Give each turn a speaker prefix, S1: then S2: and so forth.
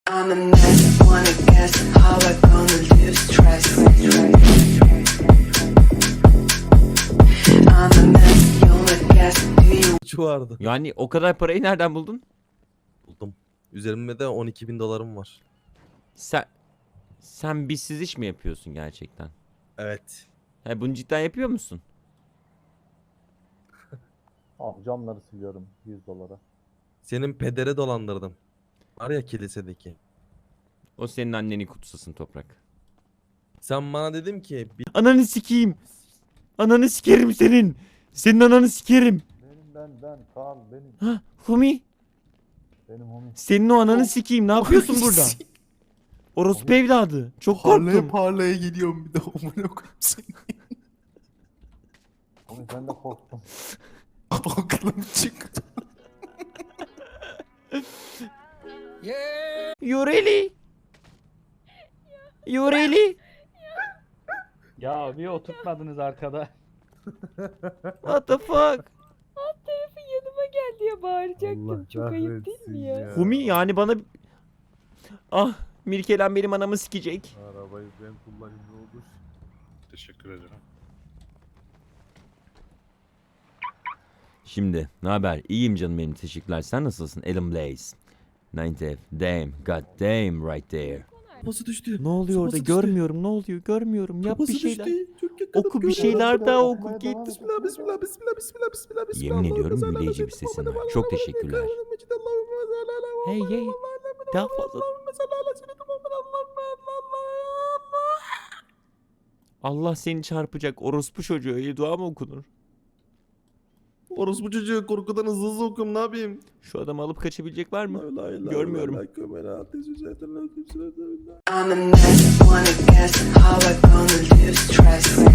S1: I'm a mess, wanna guess how I gonna lose trust. I'm a mess, you wanna guess, do you
S2: Şu vardı.
S3: Yani o kadar parayı nereden buldun?
S2: Buldum. Üzerimde de 12.000 dolarım var.
S3: Sen bizsiz iş mi yapıyorsun gerçekten?
S2: Evet.
S3: Ha, bunu cidden yapıyor musun?
S4: Abi camları siliyorum 100 dolara.
S2: Senin pedere dolandırdım. Var ya kilisedeki.
S3: O senin anneni kutsasın Toprak.
S2: Sen bana dedim ki
S3: Ananı sikeyim. Ananı sikerim senin. Senin ananı sikerim.
S4: Ben Kaan benim.
S3: Ha, Humi.
S4: Benim homie.
S3: Senin o ananı sikeyim. Ne yapıyorsun burada? Orospu evladı. Çok korktum.
S5: Parlaya geliyorum bir de amına koyayım seni.
S4: Homie ben de korktum.
S5: Aklım çıktı.
S3: You really? You really?
S6: Ya bir oturtmadınız arkada.
S3: What the fuck?
S7: Yanıma gel diye bağıracaktım. Çok ayıp değil mi ya?
S3: Humi yani bana... Ah, Mirkelen benim anamı sikecek.
S4: Arabayı ben kullanayım ne olur.
S5: Teşekkür ederim.
S3: Şimdi ne haber? İyiyim canım benim, teşekkürler. Sen nasılsın? Alan Blaze. 9F. Damn. God damn right there.
S2: kafası düştü.
S3: Ne oluyor orada?
S2: Kafası düştü.
S3: Görmüyorum. Ne oluyor? Görmüyorum. Yap
S2: Kafası
S3: bir şeyler.
S2: düştü. Çok yakınım,
S3: Oku bir
S2: görüyorum.
S3: şeyler daha oku.
S4: Okumaya
S3: Git.
S4: devam et.
S2: Bismillah bismillah bismillah bismillah bismillah bismillah.
S3: Yemin
S2: Allahümme
S3: ediyorum
S2: salli ala
S3: büyüleyici bir
S2: seyyidina
S3: sesin var.
S2: Muhammed
S3: Çok
S2: ve
S3: teşekkürler.
S2: Allahümme mecid, Allahümme salli ala
S3: Hey
S2: Muhammed
S3: hey.
S2: ve Allahümme
S3: Daha fazla.
S2: Allahümme salli ala seyyidina Muhammed, Allahümme Allah.
S3: Allah seni çarpacak. Orospu çocuğu. Öyle dua mı okunur?
S2: Orospu çocuğu korkudan hızlı hızlı okuyorum, ne yapayım?
S3: Şu adamı alıp kaçabilecek var mı?
S2: La ilahe illallah,
S3: Görmüyorum.
S2: la ilahe illallah, la ilahe illallah.
S1: I'm a mess, wanna guess how I gonna lose trust.